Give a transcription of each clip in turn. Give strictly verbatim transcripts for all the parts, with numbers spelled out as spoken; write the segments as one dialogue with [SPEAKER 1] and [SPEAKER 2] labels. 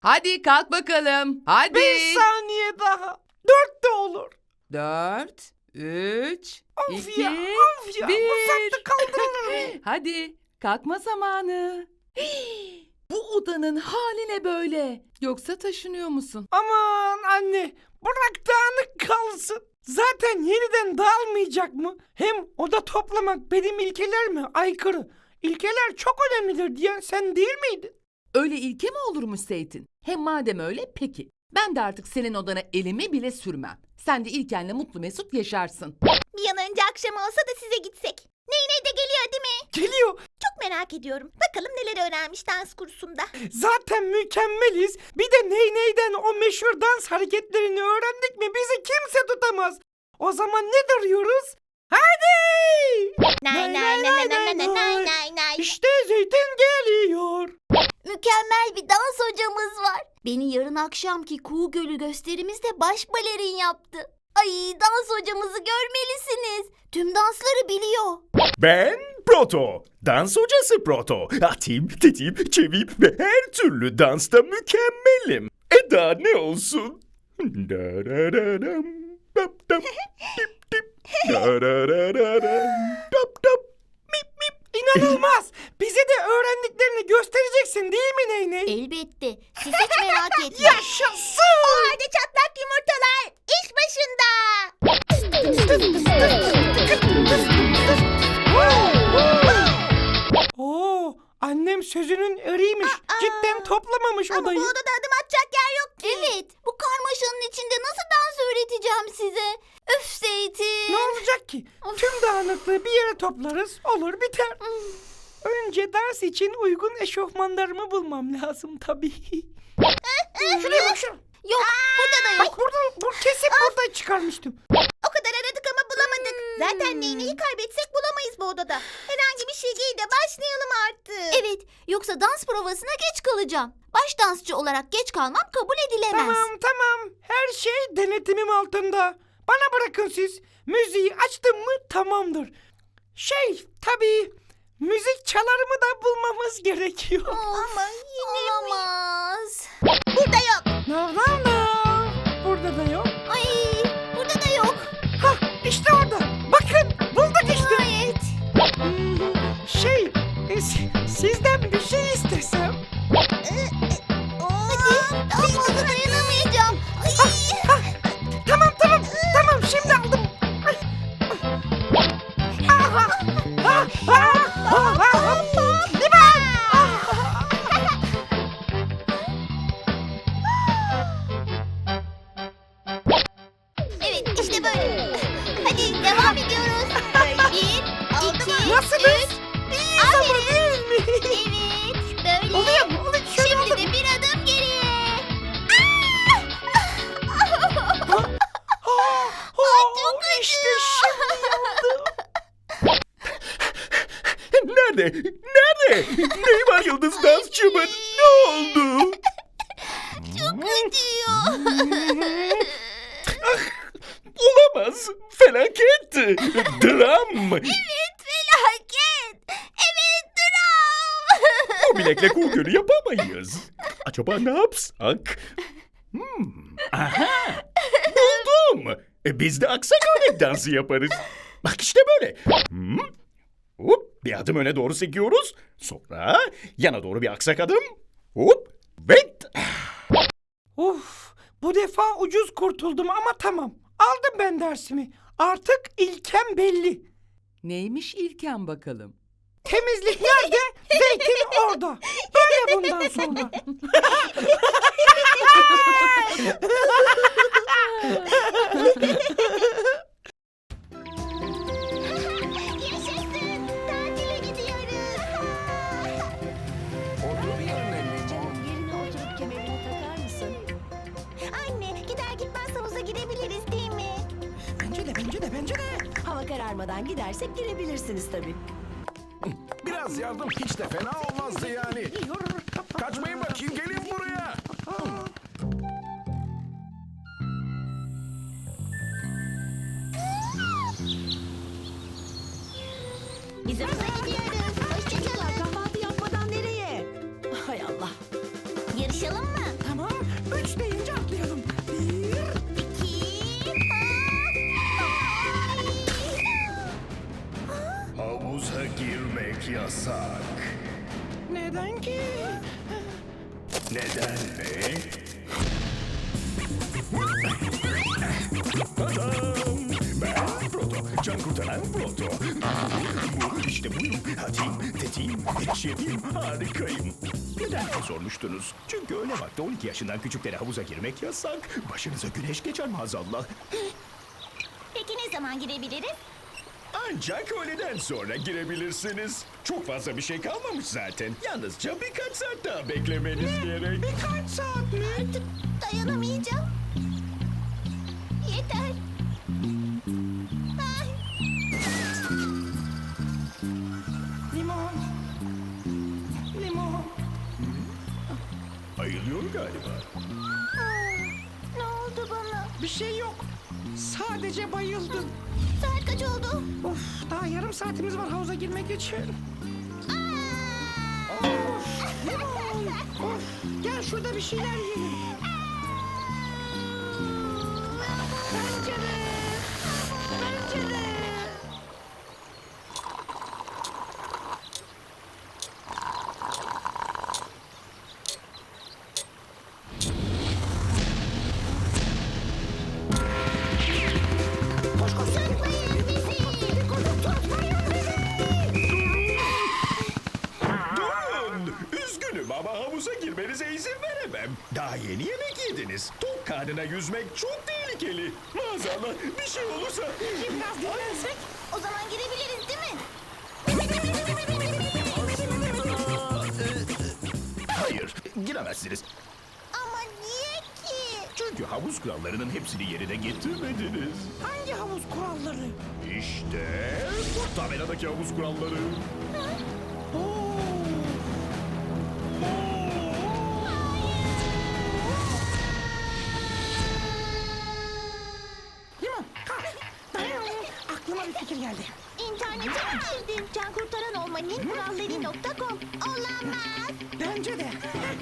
[SPEAKER 1] Hadi kalk bakalım. Hadi.
[SPEAKER 2] Bir saniye daha. Dört de olur.
[SPEAKER 1] Dört, üç,
[SPEAKER 2] Of
[SPEAKER 1] iki,
[SPEAKER 2] ya, of ya.
[SPEAKER 1] bir.
[SPEAKER 2] Bu saatte kaldırılır mı?
[SPEAKER 1] Hadi kalkma zamanı. Bu odanın hali ne böyle? Yoksa taşınıyor musun?
[SPEAKER 2] Aman anne, bırak dağınık kalsın. Zaten yeniden dağılmayacak mı? Hem oda toplamak benim ilkelerime aykırı. İlkeler çok önemlidir diyen sen değil miydin?
[SPEAKER 1] Öyle ilke mi olurmuş Zeytin? Hem madem öyle peki. Ben de artık senin odana elimi bile sürmem. Sen de İlken'le mutlu mesut yaşarsın.
[SPEAKER 3] Bir an önce akşam olsa da size gitsek. Ney ney de geliyor değil mi?
[SPEAKER 2] Geliyor.
[SPEAKER 3] Çok merak ediyorum. Bakalım neler öğrenmiş dans kursunda.
[SPEAKER 2] Zaten mükemmeliz. Bir de ney neyden o meşhur dans hareketlerini öğrendik mi bizi kimse tutamaz. O zaman ne duruyoruz? Hadi!
[SPEAKER 3] Nay nay nay nay nay nay nay nay nay.
[SPEAKER 2] İşte Zeytin geliyor.
[SPEAKER 3] Mükemmel bir dans hocamız var. Beni yarın akşamki Kuğu Gölü gösterimizde baş balerin yaptı. Ay, dans hocamızı görmelisiniz. Tüm dansları biliyor.
[SPEAKER 4] Ben Proto, dans hocası Proto. Atim, tetim, çevim ve her türlü dansta mükemmelim. E daha ne olsun? Darararam, dap dap, dip dip, darararam, dap dap, mip mip.
[SPEAKER 2] İnanılmaz. Bize de öğrendiklerini göstereceksin değil mi Ney Ney?
[SPEAKER 3] Elbette. Siz hiç merak etmeyin.
[SPEAKER 2] Yaşasın.
[SPEAKER 3] O halde çatlak yumurtalar iş başında.
[SPEAKER 2] Oo, annem sözünün eriymiş. Cidden toplamamış
[SPEAKER 3] Ama
[SPEAKER 2] odayı.
[SPEAKER 3] bu odada adım atacak yer yok ki. Evet. Bu karmaşanın içinde nasıl dans öğreteceğim size? Öf Zeytin.
[SPEAKER 2] Ne olacak ki? Tüm dağınıklığı bir yere toplarız, olur biter. Önce ders için uygun eşofmanlarımı bulmam lazım tabii. Şuraya bak şuraya.
[SPEAKER 3] Yok, burada da yok.
[SPEAKER 2] Bak buradan, bu kesin buradan çıkarmıştım.
[SPEAKER 3] O kadar aradık ama bulamadık. Zaten neyneyi kaybetsek bulamayız bu odada. Herhangi bir şey giy de başlayalım artık. Evet, yoksa dans provasına geç kalacağım. Baş dansçı olarak geç kalmam kabul edilemez.
[SPEAKER 2] Tamam tamam, her şey denetimim altında. Bana bırakın siz. Müziği açtım mı tamamdır. Şey tabii, müzik çalarımı da bulmamız gerekiyor.
[SPEAKER 3] Ama yine olamaz. Burada yok.
[SPEAKER 2] No no no. Burada da yok.
[SPEAKER 3] Ay, burada da yok.
[SPEAKER 2] Hah işte orada. Bakın bulduk işte.
[SPEAKER 3] Nihayet.
[SPEAKER 2] Hmm, Şey e, si- sizden bir şey istesem.
[SPEAKER 3] Hadi, daha fazla dayanamayacağım. Ay.
[SPEAKER 2] Tamam tamam tamam şimdi aldım. Ay, ay. Aha, ha, ha, ha, ha. Liman!
[SPEAKER 3] Evet, işte böyle. Hadi devam ediyoruz. Bir, iki,
[SPEAKER 2] Nasılız?
[SPEAKER 3] üç.
[SPEAKER 2] İyiyiz ama değil mi?
[SPEAKER 3] Evet, böyle.
[SPEAKER 2] Oluyor mu? Oluyor. Şöyle
[SPEAKER 3] Şimdi
[SPEAKER 2] oldu
[SPEAKER 3] de
[SPEAKER 2] mu?
[SPEAKER 3] bir adım geriye.
[SPEAKER 2] Ha,
[SPEAKER 3] çok
[SPEAKER 2] ha, İşte şimdi oldu.
[SPEAKER 4] Nerede? Nerede? Neyi var yıldız dansçımın? Ne oldu?
[SPEAKER 3] Çok acıyor.
[SPEAKER 4] Olamaz. Felaket. Dram.
[SPEAKER 3] Evet, felaket. Evet, dram.
[SPEAKER 4] O bilekle kuğu gölü yapamayız. Acaba ne yapsak? Hmm. Aha. Buldum. E, biz de aksak örnek dansı yaparız. Bak işte böyle. Hmm. Hop, bir adım öne doğru sekiyoruz. Sonra yana doğru bir aksak adım. Hop. Ve
[SPEAKER 2] Uf, bu defa ucuz kurtuldum ama tamam. Aldım ben dersimi. Artık ilkem belli.
[SPEAKER 1] Neymiş İlken bakalım?
[SPEAKER 2] Temizlik nerede? Zeytin orada. Böyle bundan sonra.
[SPEAKER 3] Yaşasın. Tatile gidiyoruz.
[SPEAKER 5] Otur yerine anneciğim. Yerine oturup kemerini takar mısın?
[SPEAKER 3] Anne, gider gitmez havuza girebiliriz değil mi?
[SPEAKER 2] Bence de bence de bence de.
[SPEAKER 5] Hava kararmadan gidersek girebilirsiniz tabii.
[SPEAKER 6] Biraz yardım hiç de fena olmazdı yani. Kaçmayın bakayım, gelin buraya.
[SPEAKER 3] Biz havuza gidiyoruz. Hoşçakalın.
[SPEAKER 5] Kahvaltı yapmadan nereye? Hay Allah.
[SPEAKER 3] Yarışalım mı?
[SPEAKER 2] Tamam.
[SPEAKER 4] yasak.
[SPEAKER 2] Neden ki?
[SPEAKER 4] Neden mi? Tadam! Ben Proto, can kurtaran Proto. İşte buyum, hadiyim, tetiğim, şefim, harikayım. Neden diye sormuştunuz? Çünkü öğle vakti on iki yaşından küçüklere havuza girmek yasak. Başınıza güneş geçer maazallah.
[SPEAKER 3] Peki ne zaman girebiliriz?
[SPEAKER 4] Ancak öğleden sonra girebilirsiniz. Çok fazla bir şey kalmamış zaten. Yalnızca birkaç saat daha beklemeniz gerek.
[SPEAKER 2] Birkaç saat mi?
[SPEAKER 3] Artık dayanamayacağım. Yeter. Ay.
[SPEAKER 2] Limon. Limon.
[SPEAKER 4] Ayılıyor galiba.
[SPEAKER 3] Ne oldu bana?
[SPEAKER 2] Bir şey yok. Sadece bayıldım.
[SPEAKER 3] Saat kaç oldu?
[SPEAKER 2] Of, daha yarım saatimiz var havuza girmek için. Of, limon. Of, gel şurada bir şeyler yiyelim. Pencere. Pencere. Koş koş.
[SPEAKER 3] Tutmayın bizi.
[SPEAKER 2] Tutmayın bizi.
[SPEAKER 4] Durun! Üzgünüm ama havuza girmenize izin veremem. Daha yeni yemek yediniz. Tok karnına yüzmek çok tehlikeli. Maazallah bir şey olursa...
[SPEAKER 2] Biraz dinlensek.
[SPEAKER 3] O zaman girebiliriz değil mi?
[SPEAKER 4] Hayır, giremezsiniz.
[SPEAKER 3] Ama niye ki?
[SPEAKER 4] Çünkü havuz kurallarının hepsini yerine getirmediniz.
[SPEAKER 2] Hangi havuz kuralları?
[SPEAKER 4] İşte bu tabeladaki havuz kuralları.
[SPEAKER 2] Oo. Limon, kalk. Dayan. Aklıma bir fikir geldi.
[SPEAKER 3] İnternete mi girdin? Can kurtaran olmanın kuralları nokta com. Olamaz.
[SPEAKER 2] Bence de.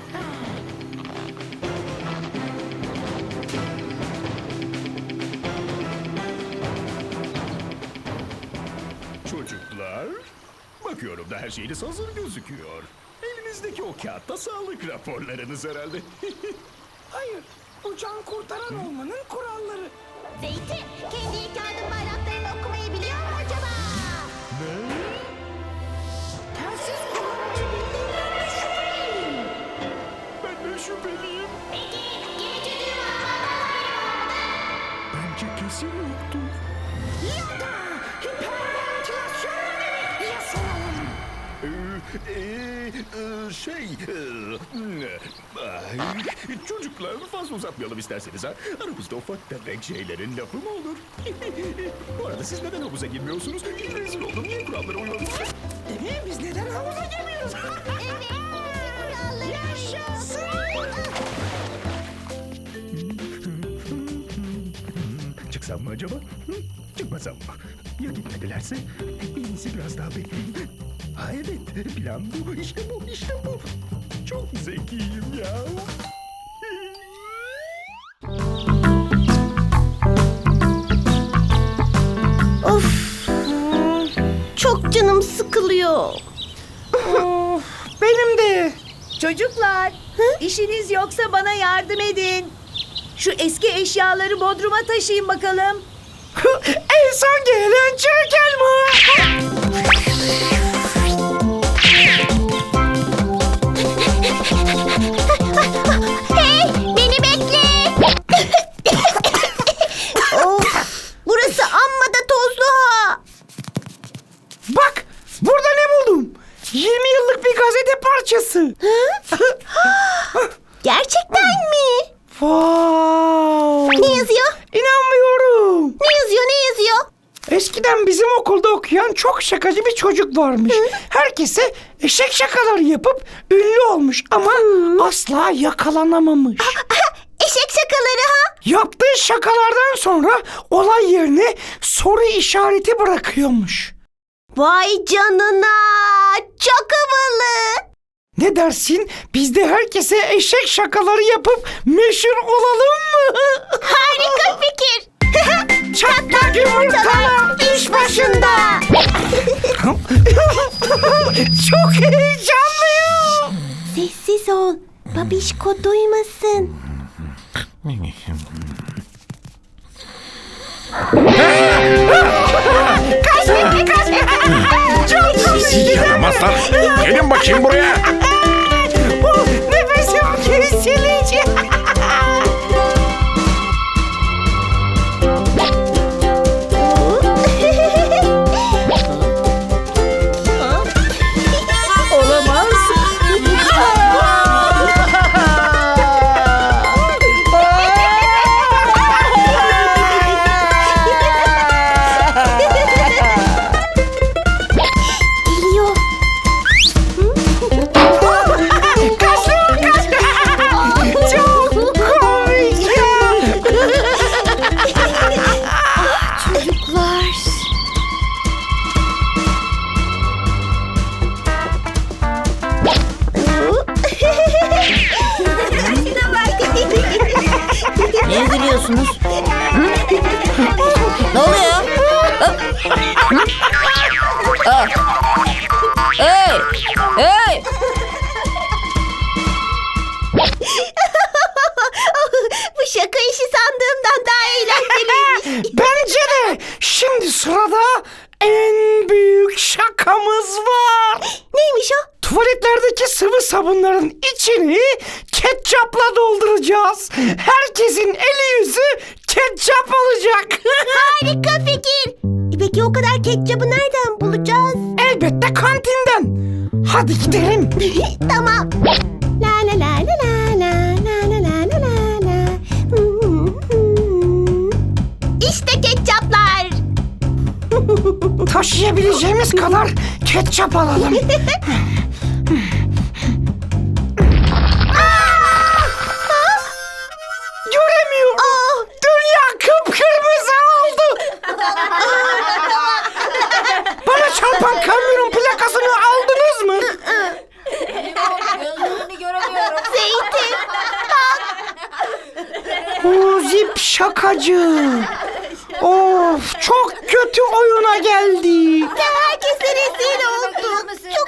[SPEAKER 4] Çocuklar, bakıyorum da her şeyiniz hazır gözüküyor. Elinizdeki o kağıtta sağlık raporlarınız herhalde.
[SPEAKER 2] Hayır, bu can kurtaran olmanın kuralları.
[SPEAKER 3] Zeytin, kendi ilk yardım bayraklarını okumayı biliyor mu acaba?
[SPEAKER 2] Telsiz kullanmayı bildiğinden şüpheliyim.
[SPEAKER 4] Ben de şüpheliyim.
[SPEAKER 3] Peki, gerici düğme
[SPEAKER 4] Bence kesin yoktur.
[SPEAKER 2] Ya da hiperventilasyon mu demek yasalım?
[SPEAKER 4] Ee, ee, ee, şey... ee, ay, çocuklar fazla uzatmayalım isterseniz ha. Aramızda ufak tefek şeylerin lafı mı olur? Bu arada siz neden havuza girmiyorsunuz? Rezil oldum. Niye kurallara uymadınız?
[SPEAKER 2] Değil mi? Biz neden havuza girmiyoruz?
[SPEAKER 3] Evet, kuralları.
[SPEAKER 2] Yaşasın.
[SPEAKER 4] Çıksam mı acaba? Hı? Çıkmasam mı? Ya gitmedilerse? En iyisi biraz daha bekleyeyim. Ha evet, plan bu. İşte bu, işte bu. Çok zekiyim ya.
[SPEAKER 3] Of, çok canım sıkılıyor.
[SPEAKER 2] Of, benim de.
[SPEAKER 5] Çocuklar, işiniz yoksa bana yardım edin. Şu eski eşyaları bodruma taşıyın bakalım.
[SPEAKER 2] En son gelen çirkin mi?
[SPEAKER 3] Hey, beni bekle. Of, burası amma da tozlu ha.
[SPEAKER 2] Bak, burada ne buldum? yirmi yıllık bir gazete parçası.
[SPEAKER 3] Gerçekten mi?
[SPEAKER 2] Wow.
[SPEAKER 3] Ne yazıyor?
[SPEAKER 2] İnanmıyorum.
[SPEAKER 3] Ne yazıyor, ne yazıyor?
[SPEAKER 2] Eskiden bizim okulda okuyan çok şakacı bir çocuk varmış. Herkese eşek şakaları yapıp ünlü olmuş ama asla yakalanamamış.
[SPEAKER 3] Eşek şakaları ha?
[SPEAKER 2] Yaptığı şakalardan sonra olay yerine soru işareti bırakıyormuş.
[SPEAKER 3] Vay canına, çok havalı.
[SPEAKER 2] Ne dersin? Biz de herkese eşek şakaları yapıp meşhur olalım mı?
[SPEAKER 3] Harika fikir.
[SPEAKER 2] Çatlak yumurtalar iş başında. Çok heyecanlıyım.
[SPEAKER 3] Sessiz ol. Babişko duymasın.
[SPEAKER 6] Yaramazlar. Gelin bakayım buraya.
[SPEAKER 2] Nefesim kesilecek.
[SPEAKER 5] Olamaz.
[SPEAKER 3] Geliyor.
[SPEAKER 2] Çok komik ya.
[SPEAKER 3] Çocuklar.
[SPEAKER 7] Niye gülüyorsunuz? Hı? Ne oluyor? Hı? Hı? Aa. Hey! Hey!
[SPEAKER 3] Bu şaka işi sandığımdan daha eğlenceliymiş.
[SPEAKER 2] Bence de. Şimdi sırada en büyük şakamız var.
[SPEAKER 3] Neymiş o?
[SPEAKER 2] Tuvaletlerdeki sıvı sabunların içini ketçapla dolduracağız. Herkesin eli yüzü ketçap olacak.
[SPEAKER 3] Harika fikir. E Peki o kadar ketçabı nereden bulacağız?
[SPEAKER 2] Elbette kantinden. Hadi gidelim.
[SPEAKER 3] Tamam. La la la la la la la la la la la la. İşte ketçaplar.
[SPEAKER 2] Taşıyabileceğimiz kadar ketçap alalım. Göremiyorum. Dünya kıpkırmızı oldu. Bana çarpan kamyonun plakasını aldınız mı?
[SPEAKER 7] Gözlerini göremiyorum.
[SPEAKER 3] Zeytin.
[SPEAKER 2] O zip şakacı. Of, çok kötü oyuna geldi.
[SPEAKER 3] Herkese rezil oldum. Çok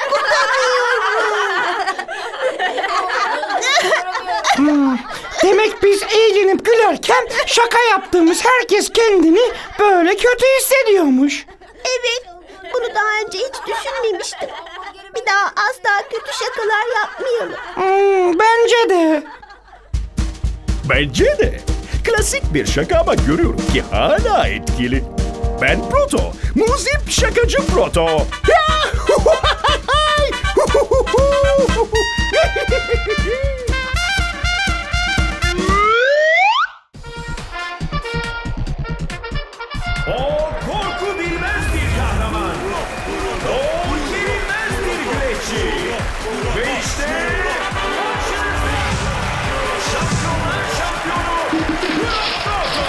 [SPEAKER 3] utanıyorum.
[SPEAKER 2] Demek biz eğlenip gülerken şaka yaptığımız herkes kendini böyle kötü hissediyormuş.
[SPEAKER 3] Evet. Bunu daha önce hiç düşünmemiştim. Bir daha asla kötü şakalar yapmayalım.
[SPEAKER 2] Hmm, bence de.
[SPEAKER 4] Bence de. Klasik bir şaka ama görüyorum ki hala etkili. Ben Proto. Muzip şakacı Proto.
[SPEAKER 6] O korku bilmez bir kahraman. O yenilmez bir güreşçi. Ve işte karşınızda şampiyonlar şampiyonu Proto.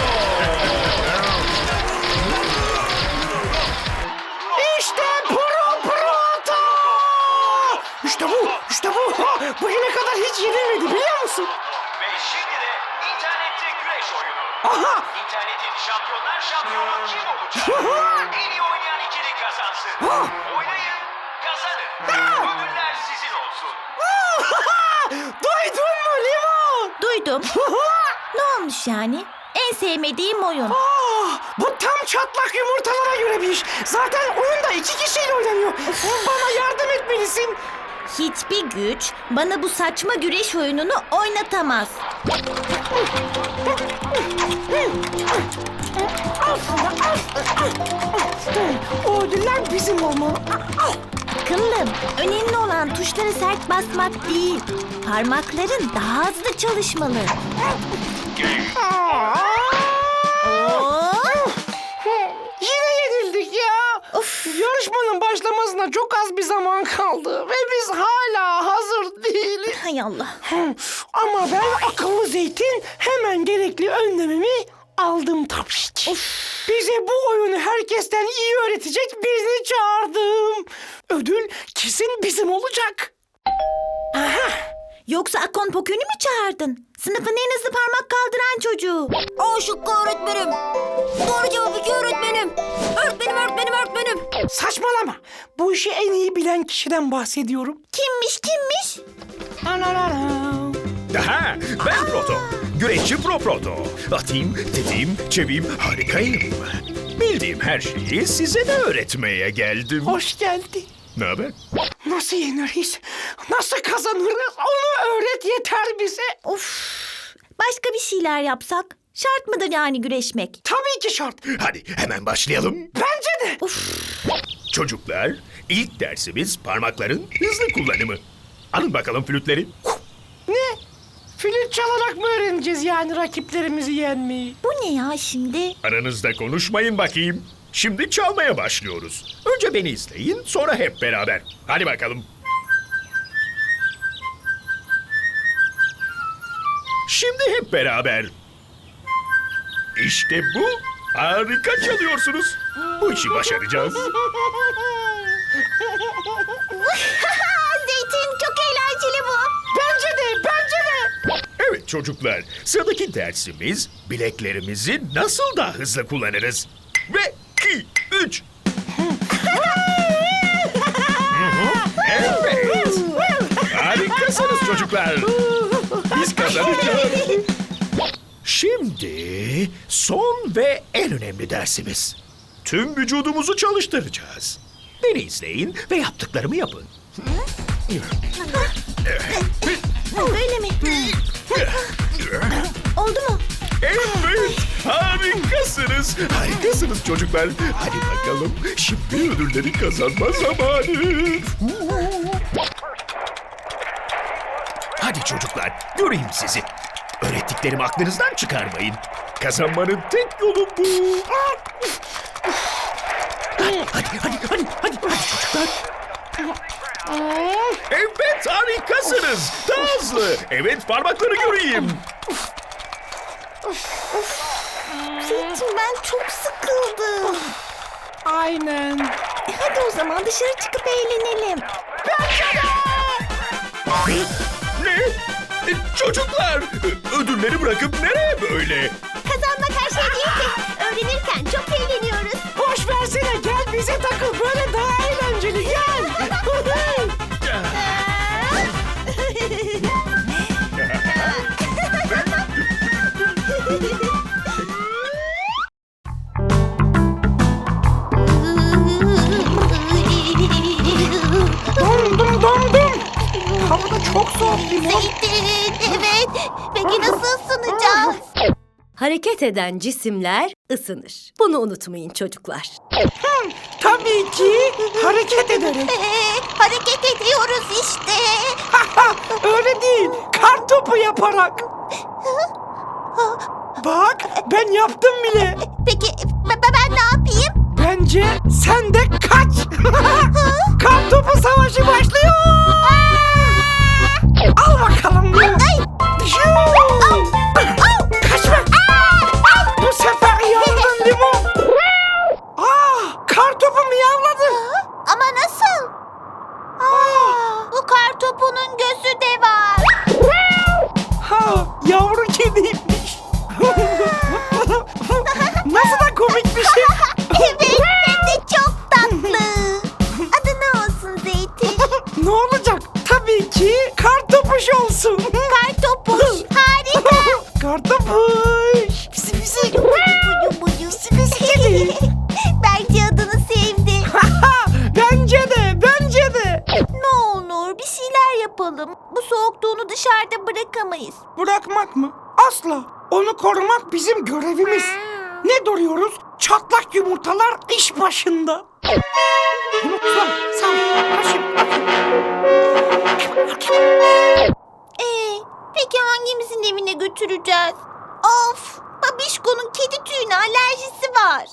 [SPEAKER 2] İşte Pro Proto. İşte bu, işte bu. Ha, bugüne kadar hiç yenilmedi biliyor musun?
[SPEAKER 8] Ve şimdi de internette güreş oyunu.
[SPEAKER 2] Aha.
[SPEAKER 8] İnternetin şampiyonlar şampiyonu kim olacak? En iyi oynayan ikili kazansın. Oynayın, kazanın. Ödüller sizin olsun.
[SPEAKER 2] Duydun mu Limon?
[SPEAKER 3] Duydum. Ne olmuş yani? En sevmediğim oyun.
[SPEAKER 2] Ah, bu tam çatlak yumurtalara göre bir iş. Zaten oyunda iki kişiyle oynanıyor. Bana yardım etmelisin.
[SPEAKER 3] Hiçbir güç bana bu saçma güreş oyununu oynatamaz.
[SPEAKER 2] O ödüller bizim olmalı.
[SPEAKER 3] Akıllım, önemli olan tuşlara sert basmak değil. Parmakların daha hızlı çalışmalı. Oo!
[SPEAKER 2] Yine yenildik ya. Yarışmanın başlamasına çok az bir zaman kaldı. Ve biz hala hazır değiliz.
[SPEAKER 3] Hay Allah.
[SPEAKER 2] Ama ben akıllı zeytin hemen gerekli önlememi aldım tabii ki. Bize bu oyunu herkesten iyi öğretecek birini çağırdım. Ödül kesin bizim olacak.
[SPEAKER 3] Yoksa Akon Pokün'ü mü çağırdın? Sınıfın en hızlı parmak kaldıran çocuğu.
[SPEAKER 7] O şıkkı öğretmenim. Doğru cevap iki öğretmenim. Öğretmenim, öğretmenim, öğretmenim.
[SPEAKER 2] Saçmalama. Bu işi en iyi bilen kişiden bahsediyorum.
[SPEAKER 3] Kimmiş kimmiş?
[SPEAKER 2] Ananana.
[SPEAKER 4] Aha, ben Proto. Güreşçi Pro Proto. Atayım, tetiğim, çeviyim, harikayım. Bildiğim her şeyi size de öğretmeye geldim.
[SPEAKER 2] Hoş geldin.
[SPEAKER 4] Ne haber?
[SPEAKER 2] Nasıl yeneriz? Nasıl kazanırız? Onu öğret yeter bize.
[SPEAKER 3] Of. Başka bir şeyler yapsak? Şart mıdır yani güreşmek?
[SPEAKER 2] Tabii ki şart.
[SPEAKER 4] Hadi hemen başlayalım.
[SPEAKER 2] Bence de.
[SPEAKER 4] Çocuklar, ilk dersimiz parmakların hızlı kullanımı. Alın bakalım flütleri.
[SPEAKER 2] Ne? Flüt çalarak mı öğreneceğiz yani rakiplerimizi yenmeyi?
[SPEAKER 3] Bu ne ya şimdi?
[SPEAKER 4] Aranızda konuşmayın bakayım. Şimdi çalmaya başlıyoruz. Önce beni izleyin, sonra hep beraber. Hadi bakalım. Şimdi hep beraber. İşte bu. Harika çalıyorsunuz. Bu işi başaracağız.
[SPEAKER 3] Zeytin çok eğlenceli bu.
[SPEAKER 2] Bence de, bence de.
[SPEAKER 4] Evet çocuklar, sıradaki dersimiz bileklerimizi nasıl daha hızlı kullanırız. Ve iki, üç. Evet. Harikasınız çocuklar. Biz kazanacağız. Şimdi son ve en önemli dersimiz. Tüm vücudumuzu çalıştıracağız. Beni izleyin ve yaptıklarımı yapın.
[SPEAKER 3] Böyle mi? Oldu mu?
[SPEAKER 4] Evet, harikasınız. Harikasınız çocuklar. Hadi bakalım, şimdi ödülleri kazanma zamanı. Hadi çocuklar, göreyim sizi. Öğrettiklerimi aklınızdan çıkarmayın. Kazanmanın tek yolu bu. Hadi, hadi, hadi, hadi, hadi, hadi çocuklar. Evet, harikasınız. Daha hızlı. Evet, parmakları göreyim.
[SPEAKER 3] Zeytin ben çok sıkıldım.
[SPEAKER 2] Aynen.
[SPEAKER 3] E hadi o zaman dışarı çıkıp eğlenelim.
[SPEAKER 4] Ne? E, Çocuklar, e, ödülleri bırakıp nereye böyle?
[SPEAKER 3] Kazanmak her şey değil ki. Öğrenirken çok eğleniyoruz.
[SPEAKER 2] Boş versene, gel bize takıl. Böyle daha eğlenceli, gel. Dondum, dondum. Havada çok soğuk limon.
[SPEAKER 3] Zeytin evet. Peki nasıl ısınacağız?
[SPEAKER 9] Hareket eden cisimler ısınır. Bunu unutmayın çocuklar.
[SPEAKER 2] Tabii ki hareket ederek.
[SPEAKER 3] Ee, hareket ediyoruz işte.
[SPEAKER 2] Öyle değil, kar topu yaparak. Bak, ben yaptım bile.
[SPEAKER 3] Peki ben, ben ne yapayım?
[SPEAKER 2] Bence sen de kaç. Kar topu savaşı başlıyor. Al bakalım. Kaçma. Bu sefer yandın limon. Aa, kar topu miyavladı.
[SPEAKER 3] Ama nasıl? Aa, bu kar topunun gözü de var.
[SPEAKER 2] Ha, yavru kediymiş. Nasıl da komik bir şey.
[SPEAKER 3] Evet hem de çok tatlı. Adı ne olsun Zeytin?
[SPEAKER 2] Ne olacak? Tabii ki kartopuş olsun.
[SPEAKER 3] Kartopuş harika.
[SPEAKER 2] Kartopuş. Pisi pisi.
[SPEAKER 3] Buyu buyu. Bence adını sevdi.
[SPEAKER 2] Bence de, bence de.
[SPEAKER 3] Ne olur bir şeyler yapalım. Bu soğukta onu dışarıda bırakamayız.
[SPEAKER 2] Bırakmak mı? Asla. Onu korumak bizim görevimiz. Ne duruyoruz? Çatlak yumurtalar iş başında. Yumurtalar, sağ ol. Başım.
[SPEAKER 3] Ee, peki hangimizin evine götüreceğiz? Of, Babişko'nun kedi tüyüne alerjisi var.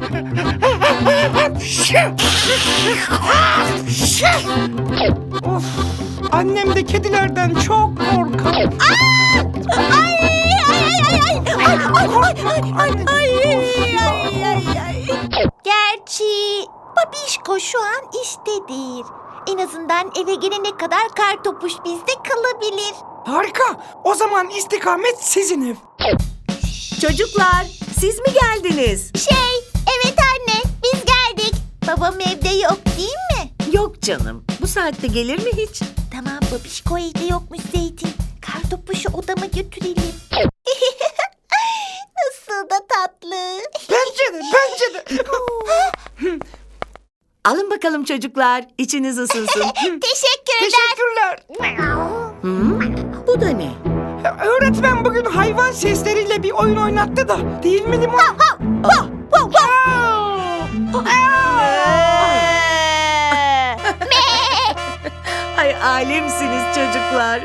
[SPEAKER 2] Of, annem de kedilerden çok korkar.
[SPEAKER 3] Ay ay ay ay ay ay ay ay ay ay ay. Gerçi Babişko şu an işte değil. En azından eve gelene kadar Kartopuş bizde kalabilir.
[SPEAKER 2] Harika. O zaman istikamet sizin ev.
[SPEAKER 9] Çocuklar, siz mi geldiniz?
[SPEAKER 3] Şey, evet anne, biz geldik. Babam evde yok değil mi?
[SPEAKER 5] Yok canım. Bu saatte gelir mi hiç?
[SPEAKER 3] Tamam babişko evde yokmuş Zeytin. Kartopuşu odama götürelim. Nasıl da tatlı.
[SPEAKER 2] Bence de, bence de.
[SPEAKER 5] Alın bakalım çocuklar. İçiniz ısınsın.
[SPEAKER 3] Teşekkürler.
[SPEAKER 2] Teşekkürler.
[SPEAKER 5] Hmm, bu da ne?
[SPEAKER 2] Öğretmen bugün hayvan sesleriyle bir oyun oynattı da. Değil mi Limon?
[SPEAKER 5] Ay alemsiniz çocuklar.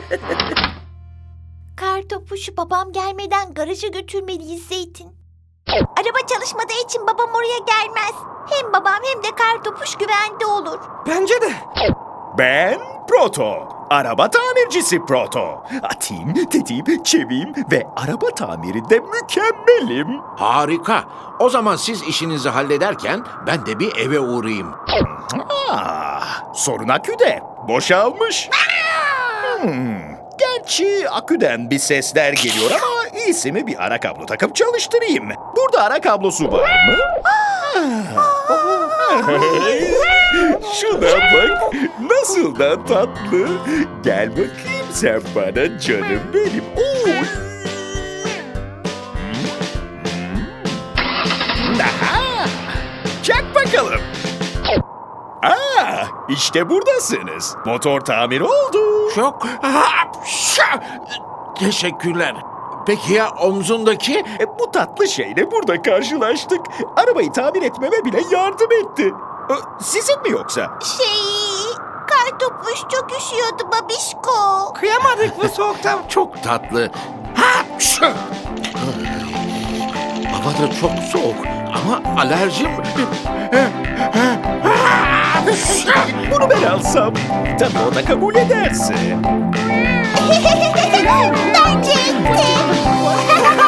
[SPEAKER 3] Kartopuşu babam gelmeden garaja götürmeliyiz Zeytin. Araba çalışmadığı için babam oraya gelmez. Hem babam hem de kartopuş güvende olur.
[SPEAKER 2] Bence de.
[SPEAKER 4] Ben Proto. Araba tamircisi Proto. Atayım, tetiğim, çeviyim ve araba tamirinde mükemmelim.
[SPEAKER 6] Harika. O zaman siz işinizi hallederken ben de bir eve uğrayayım.
[SPEAKER 4] Ah, sorun aküde. Boşalmış. Hmm, gerçi aküden bir sesler geliyor ama iyisi mi bir ara kablo takıp çalıştırayım. Burada ara kablosu var mı? Şuna bak. Nasıl da tatlı. Gel bakayım sen bana canım benim. Oy. Aha! Çak bakalım. Aa, işte buradasınız. Motor tamir oldu.
[SPEAKER 6] Çok... Teşekkürler. Peki ya omzundaki?
[SPEAKER 4] E, bu tatlı şeyle burada karşılaştık. Arabayı tamir etmeme bile yardım etti. E, sizin mi yoksa?
[SPEAKER 3] Şey, kartopuş çok üşüyordu babişko.
[SPEAKER 2] Kıyamadık bu soğukta.
[SPEAKER 6] Çok tatlı. Hava da çok soğuk ama alerjim...
[SPEAKER 4] Bunu ben alsam. Tabii o da kabul ederse.
[SPEAKER 3] Bence etti.